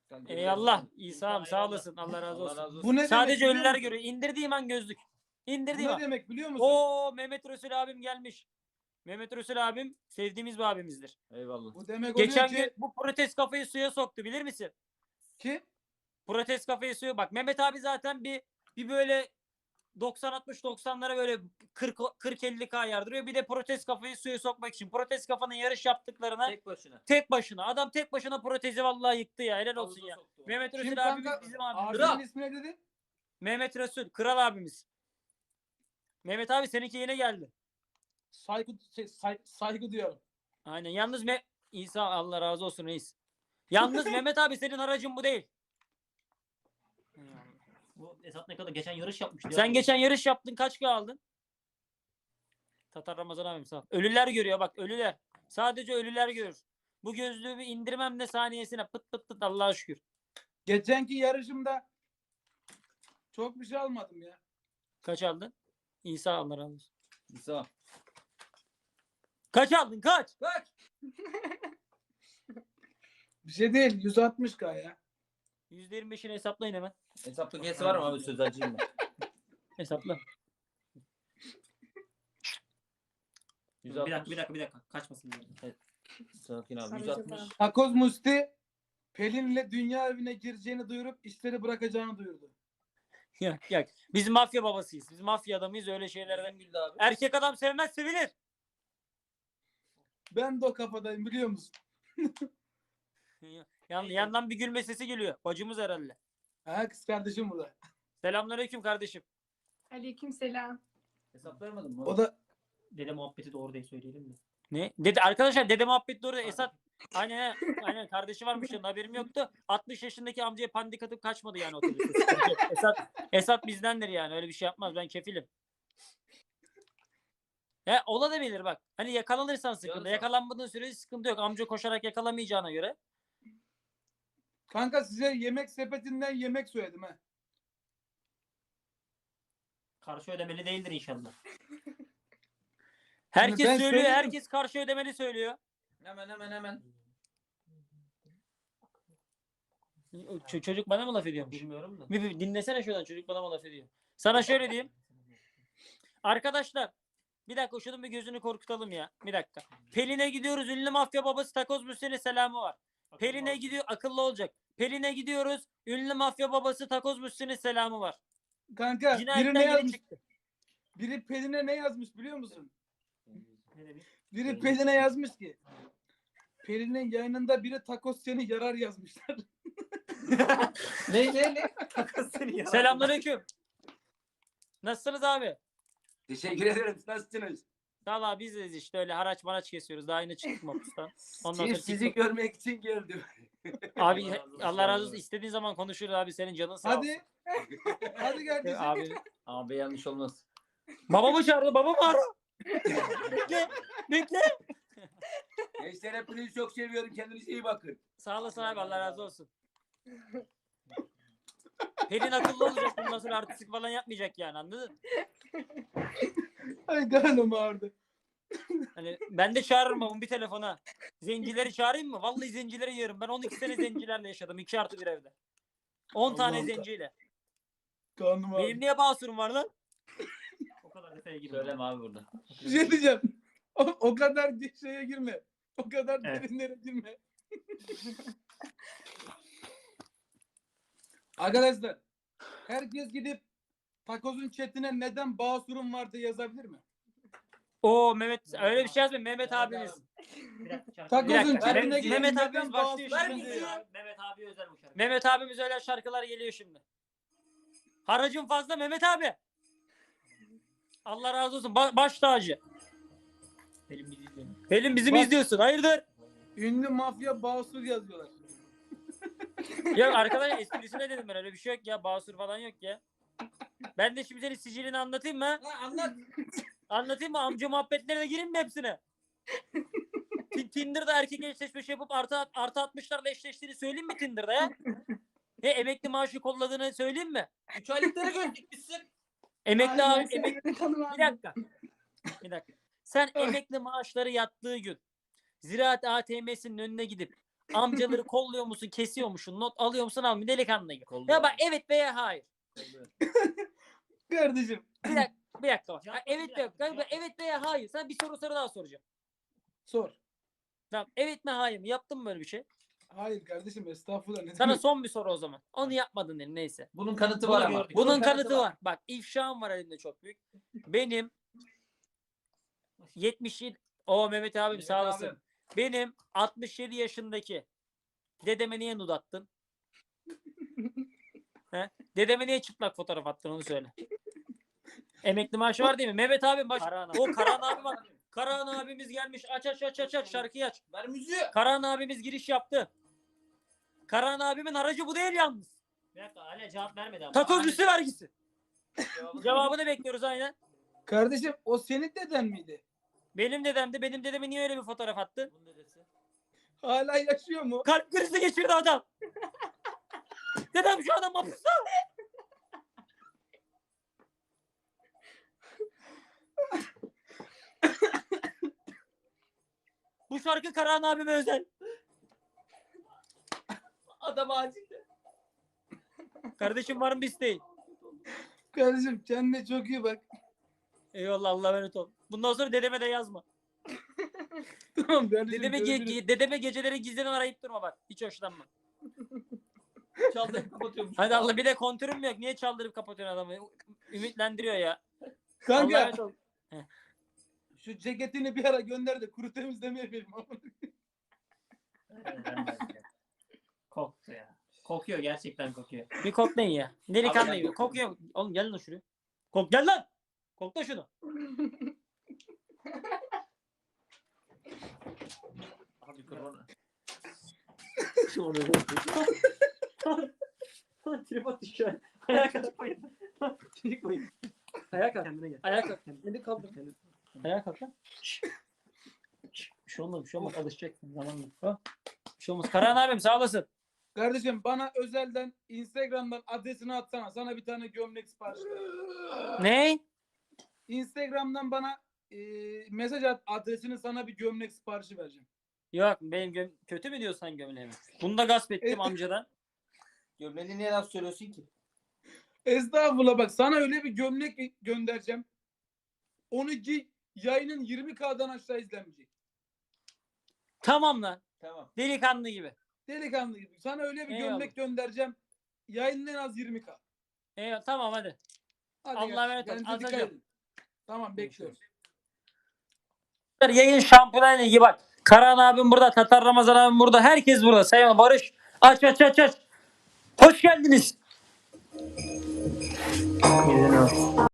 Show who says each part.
Speaker 1: Eyvallah. İsa'm sağ olasın. Allah razı
Speaker 2: Allah
Speaker 1: olsun.
Speaker 2: razı olsun.
Speaker 3: Bu ne
Speaker 1: Sadece
Speaker 3: demek
Speaker 1: ölüler
Speaker 3: biliyor
Speaker 1: görüyor. İndirdiğim an gözlük.
Speaker 3: Bu
Speaker 1: İndirdiğim
Speaker 3: ne
Speaker 1: an.
Speaker 3: demek biliyor musun?
Speaker 1: Oo Mehmet Resul abim gelmiş. Mehmet Resul abim sevdiğimiz bir abimizdir.
Speaker 2: Eyvallah.
Speaker 3: Bu demek
Speaker 1: Geçen
Speaker 3: oluyor
Speaker 1: gün
Speaker 3: ki
Speaker 1: bu protest kafayı suya soktu bilir misin?
Speaker 3: ki
Speaker 1: Protest kafayı suya bak. Mehmet abi zaten bir böyle 90-60-90'lara böyle 40-50K yardırıyor. Bir de protest kafayı suya sokmak için. Protest kafanın yarış yaptıklarına
Speaker 2: Tek başına.
Speaker 1: Adam tek başına protezi vallahi yıktı ya. Helal olsun ya. Mehmet
Speaker 3: kim
Speaker 1: Resul abimiz
Speaker 3: kanka?
Speaker 1: bizim abimiz.
Speaker 3: Abinin
Speaker 2: Kral.
Speaker 3: ismi ne dedi?
Speaker 1: Mehmet Resul kral abimiz. Mehmet abi seninki yine geldi.
Speaker 3: Saygı diyorum.
Speaker 1: Aynen. Yalnız İsa Allah razı olsun reis. Yalnız Mehmet abi senin aracın bu değil.
Speaker 4: Bu Esat ne kadar geçen yarış yapmıştı.
Speaker 1: Sen geçen yarış yaptın kaç kilo aldın? Tatar Ramazan abim sağ ol. Ölüler görüyor bak ölüler. Sadece ölüler görür. Bu gözlüğü bir indirmem de saniyesine pıt pıt pıt Allah'a şükür.
Speaker 3: Geçenki yarışımda çok bir şey almadım ya.
Speaker 1: Kaç aldın? İsa Allah razı olsun.
Speaker 2: İsa.
Speaker 1: Kaç aldın kaç?
Speaker 3: Bir şey değil 160K ya.
Speaker 1: %25'ini hesaplayın hemen.
Speaker 2: Hesaplık hesi var mı abi sözelciyim ben.
Speaker 1: Hesapla.
Speaker 2: 160.
Speaker 4: Bir dakika. Kaçmasın diye.
Speaker 2: Sakin abi.
Speaker 5: Aracı
Speaker 2: 160.
Speaker 5: var.
Speaker 3: Takoz Musti Pelin'le dünya evine gireceğini duyurup işleri bırakacağını duyurdu.
Speaker 1: Yak. Biz mafya babasıyız. Biz mafya adamıyız öyle şeylerden.
Speaker 2: Güldü abi.
Speaker 1: Erkek adam sevmez sevilir.
Speaker 3: Ben de o kafadayım biliyor musun?
Speaker 1: Yandan bir gülme sesi geliyor. Bacımız herhalde.
Speaker 3: Ha kız kardeşim burada.
Speaker 1: Selamünaleyküm kardeşim.
Speaker 5: Aleykümselam.
Speaker 2: Hesap vermedin mi?
Speaker 3: O da
Speaker 4: Dede muhabbeti doğru değil söyleyelim de.
Speaker 1: Ne? Arkadaşlar dede muhabbet doğru. Esat aynen kardeşi varmış yanında haberim yoktu. 60 yaşındaki amcaya pandik atıp kaçmadı yani otobüste. Esat bizdendir yani öyle bir şey yapmaz ben kefilim. Olabilir bak. Hani yakalanırsan sıkıntı.
Speaker 2: Yarısı.
Speaker 1: Yakalanmadığın sürece sıkıntı yok. Amca koşarak yakalamayacağına göre.
Speaker 3: kanka size yemek sepetinden yemek söyledim ha.
Speaker 4: Karşı ödemeli değildir inşallah.
Speaker 1: Herkes
Speaker 3: ben
Speaker 1: söylüyor.
Speaker 3: söyledim.
Speaker 1: Herkes karşı ödemeli söylüyor.
Speaker 2: Hemen.
Speaker 1: Çocuk bana mı laf ediyormuş?
Speaker 4: Bilmiyorum da.
Speaker 1: Bir dinlesene şuradan çocuk bana mı laf ediyor. Sana şöyle diyeyim. Arkadaşlar bir dakika şunun bir gözünü korkutalım ya. Bir dakika. Pelin'e gidiyoruz. Ünlü mafya babası Takoz Müslü'nün selamı var. Pelin'e gidiyor. Akıllı olacak. Pelin'e gidiyoruz. Ünlü mafya babası Takoz Müslü'nün selamı var.
Speaker 3: Kanka biri
Speaker 1: Cinayetten
Speaker 3: ne
Speaker 1: yeni
Speaker 3: yazmış?
Speaker 1: çıktı.
Speaker 3: Biri Pelin'e ne yazmış biliyor musun?
Speaker 4: Ne demiş?
Speaker 3: Biri Pelin'e yazmış ki Pelin'in yayınında biri takoz seni yarar yazmışlar.
Speaker 2: Ne?
Speaker 4: Takasını ya.
Speaker 1: Selamünaleyküm. Nasılsınız abi?
Speaker 2: Teşekkür ederim. Nasılsınız?
Speaker 1: Valla biziz işte öyle haraç maraç kesiyoruz. Daha yeni çıktık mapustan. Ondan sonra
Speaker 2: Sizi
Speaker 1: TikTok-
Speaker 2: görmek için geldim.
Speaker 1: Abi
Speaker 4: Allah razı olsun.
Speaker 1: Allah razı olsun. İstediğin zaman konuşuruz abi. Senin canın sağ olsun.
Speaker 3: Hadi. Hadi kardeşim.
Speaker 1: Abi.
Speaker 2: Abi yanlış olmaz.
Speaker 1: Babamı çağırdı. Babamı ara. Bekle.
Speaker 2: Gençler hepinizi çok seviyorum. Kendinize iyi bakın.
Speaker 1: Sağ olasın abi. Allah razı olsun. Pelin akıllı olacak. Bundan sonra artistik falan yapmayacak yani anladın?
Speaker 3: Ay karnım ağrıdı.
Speaker 1: Hani ben de çağırırım babamı bir telefona. Zencileri çağırayım mı? Vallahi zencileri yerim. Ben 12 sene zencilerle yaşadım. 2+1 evde. 10 tane
Speaker 3: Allah'ım.
Speaker 1: zenciyle.
Speaker 3: Karnım ağrıdı.
Speaker 1: Benim niye basurum var lan?
Speaker 4: O kadar detaya girme.
Speaker 2: Söyleme abi burada.
Speaker 3: Bir şey diyeceğim. O kadar şeye girme. O kadar
Speaker 4: Evet.
Speaker 3: derinlere girme. Arkadaşlar herkes gidip takozun chatine neden Basur'un var diye yazabilir mi?
Speaker 1: Oo Mehmet öyle bir şey yazmayın. Mehmet abimiz.
Speaker 4: Bir dakika, şarkı-
Speaker 3: Takozun
Speaker 1: Bir dakika,
Speaker 3: chatine
Speaker 1: Mehmet-
Speaker 3: gidip
Speaker 1: Mehmet
Speaker 3: neden
Speaker 1: abimiz başlıyor
Speaker 3: Basur
Speaker 1: şimdi.
Speaker 3: diyor ya?
Speaker 4: Mehmet abi özel bu şarkı.
Speaker 1: Mehmet abimiz öyle şarkılar geliyor şimdi. Haracın fazla Mehmet abi. Allah razı olsun. Baş tacı.
Speaker 4: Benim bizi izliyorum.
Speaker 1: Pelin bizi mi
Speaker 3: Bak-
Speaker 1: izliyorsun? Hayırdır?
Speaker 3: Ünlü mafya Basur yazıyorlar.
Speaker 1: Ya arkadaşlar esprisine dedim ben öyle bir şey yok ya. Basur falan yok ya. Ben de şimdi senin sicilini anlatayım mı?
Speaker 2: Anlat.
Speaker 1: Anlatayım mı? Amca muhabbetlerine gireyim mi hepsine? Tinder'da erkek eşleşmesi yapıp artı 60'larla eşleştiğini söyleyeyim mi Tinder'da ya? Emekli maaşı kolladığını söyleyeyim mi?
Speaker 2: 3 aylıkları göndermişsin.
Speaker 1: Emekli
Speaker 5: Ay,
Speaker 1: abi,
Speaker 5: ben seni tanımam.
Speaker 1: bir dakika. Bir dakika. Sen emekli maaşları yattığı gün Ziraat ATM'sinin önüne gidip Amcaları kolluyor musun, kesiyor musun, not alıyor musun, almıyor delikanlı gibi.
Speaker 2: Kolluyor.
Speaker 1: Ya bak evet veya hayır.
Speaker 3: Kardeşim.
Speaker 1: Bir dakika bak.
Speaker 4: Cevap ver,
Speaker 1: Evet
Speaker 4: bir
Speaker 1: veya,
Speaker 4: dakika, cevap ver.
Speaker 1: evet veya hayır. Sana bir soru daha soracağım.
Speaker 3: Sor.
Speaker 1: Tamam. Evet mi hayır mı? Yaptın mı böyle bir şey?
Speaker 3: Hayır kardeşim estağfurullah. Ne
Speaker 1: Sana
Speaker 3: demek?
Speaker 1: son bir soru o zaman. Onu yapmadın dedim neyse.
Speaker 2: Bunun kanıtı
Speaker 4: Bunu
Speaker 2: var ama.
Speaker 4: gördük.
Speaker 1: Bunun kanıtı var. Bak ifşam var elimde çok büyük. Benim 77 Mehmet abim
Speaker 2: Mehmet
Speaker 1: sağ olasın.
Speaker 2: abim.
Speaker 1: Benim 67 yaşındaki dedeme niye nud attın? He? Dedeme niye çıplak fotoğraf attın onu söyle. Emekli maaşı var değil mi? Mehmet abim baş. O Karahan abi bak. Karahan abimiz gelmiş. Aç şarkıyı aç.
Speaker 2: Ver müziği.
Speaker 1: Karahan abimiz giriş yaptı. Karahan abimin aracı bu değil yalnız.
Speaker 4: Bir dakika hala cevap vermedi ama.
Speaker 1: Takoz üstü vergisi.
Speaker 2: Cevabını-
Speaker 1: Cevabını bekliyoruz aynen.
Speaker 3: Kardeşim o senin deden miydi?
Speaker 1: Benim dedemdi. Benim dedeme niye öyle bir fotoğraf attı?
Speaker 2: Bunun dedesi.
Speaker 3: Hala yaşıyor mu?
Speaker 1: Kalp krizi geçirdi adam. Dedem şu adam hapiste. Bu şarkı Karahan abime özel.
Speaker 2: Adam acilde.
Speaker 1: Kardeşim var mı bir isteğin?
Speaker 3: Kardeşim kendine çok iyi bak.
Speaker 1: Eyvallah Allah'a emanet ol. Bundan sonra dedeme de yazma.
Speaker 3: Tamam kardeşim.
Speaker 1: Dedeme,
Speaker 3: görüşürüz.
Speaker 1: dedeme geceleri gizliden arayıp durma bak. Hiç hoşlanma.
Speaker 2: Çaldırıp kapatıyormuş.
Speaker 1: Hadi Allah bir de kontürüm yok. Niye çaldırıp kapatıyorsun adamı? Ümitlendiriyor ya. Allah'a
Speaker 3: Kanka
Speaker 1: emanet ol.
Speaker 3: şu ceketini bir ara gönder de kuru temizleme yapayım.
Speaker 4: Koktu ya. Kokuyor gerçekten kokuyor.
Speaker 1: Bir koklayın ya. Delikanlı
Speaker 2: Abi,
Speaker 1: gibi.
Speaker 2: gel.
Speaker 1: Kokuyor. Oğlum gel lan şuraya. Gel lan. Kokla şunu.
Speaker 2: Abi korona.
Speaker 1: Tripod düşüyor. Ayağa kalk. Çocuk koyun. Ayağa kalk. Kendine gel. Ayağa kalk. Kendini kaldır. Ayağa kalk lan. Bir şey olmaz. Bir şey olmaz. Alışacaksın zamanla. Ha? Bir şey olmaz. Karahan abim sağ olasın.
Speaker 3: Kardeşim bana özelden Instagram'dan adresini atsana. Sana bir tane gömlek sipariş ver.
Speaker 1: Ne?
Speaker 3: Instagram'dan bana mesaj at adresini sana bir gömlek siparişi vereceğim.
Speaker 1: Yok benim kötü mü diyorsan gömleğimi? Bunu da gasp ettim amcadan.
Speaker 2: Gömleğini niye laf söylüyorsun ki?
Speaker 3: Estağfurullah bak sana öyle bir gömlek göndereceğim. Onu giy yayının 20K'dan aşağı izlenmeyecek.
Speaker 1: Tamam lan.
Speaker 2: Tamam.
Speaker 1: Delikanlı gibi.
Speaker 3: Delikanlı gibi. Sana öyle bir
Speaker 1: Eyvallah.
Speaker 3: gömlek göndereceğim. Yayının en az 20K.
Speaker 1: Eyvallah tamam hadi.
Speaker 3: Hadi
Speaker 1: Allah'a
Speaker 3: gel.
Speaker 1: emanet ol.
Speaker 3: Kendinize dikkat
Speaker 1: Atacağım.
Speaker 3: edin. Tamam bekliyoruz.
Speaker 1: Yayın Şampiyonlar Ligi bak. Karahan abim burada. Tatar Ramazan abim burada. Herkes burada. Sayın Barış. Aç. Hoş geldiniz.